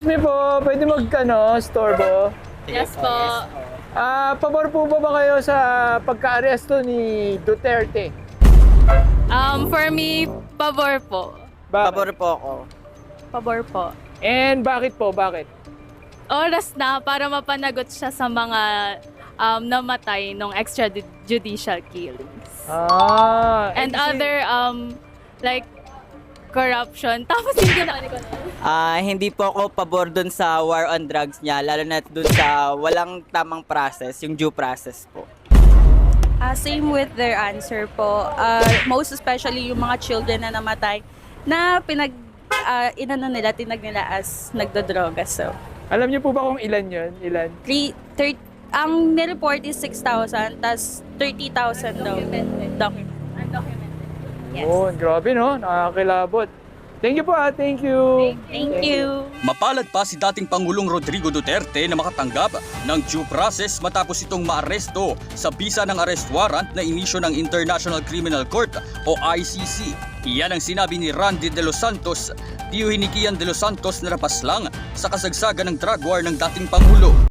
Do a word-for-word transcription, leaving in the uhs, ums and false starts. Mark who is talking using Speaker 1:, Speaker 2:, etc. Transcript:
Speaker 1: Excuse me po, pwede mag, ano, storbo?
Speaker 2: Yes po.
Speaker 1: Ah, pabor po ba ba kayo sa pagka-aresto ni Duterte?
Speaker 2: Um, for me, pabor po.
Speaker 1: Bakit?
Speaker 3: Pabor po ako.
Speaker 2: Pabor po.
Speaker 1: And bakit po? Bakit?
Speaker 2: Oras na para mapanagot siya sa mga um, namatay ng extrajudicial killings.
Speaker 1: Ah,
Speaker 2: And
Speaker 1: eh, kasi-
Speaker 2: other, um, like, corruption. Tapos hindi na...
Speaker 3: Ah, hindi po ako pabor dun sa war on drugs niya, lalo na dun sa walang tamang process, yung due process po.
Speaker 4: Uh, same with their answer po. Uh, most especially yung mga children na namatay na pinag uh, inano nila, tinag nila as nagdodroga. So,
Speaker 1: Alam niyo po ba kung ilan yun? Ilan?
Speaker 4: three, thirty, ang nireport is six thousand, tas thirty thousand daw. Document. Yes.
Speaker 1: Oh, grabe no? Nakakilabot. Thank you po ah, thank you.
Speaker 4: Thank you.
Speaker 5: Mapalad pa si dating Pangulong Rodrigo Duterte na makatanggap ng due process matapos itong maaresto sa bisa ng arrest warrant na inisyo ng International Criminal Court o I C C. Iyan ang sinabi ni Randy De Los Santos, tiyuhin ni Kian De Los Santos na napaslang sa kasagsagan ng drug war ng dating Pangulo.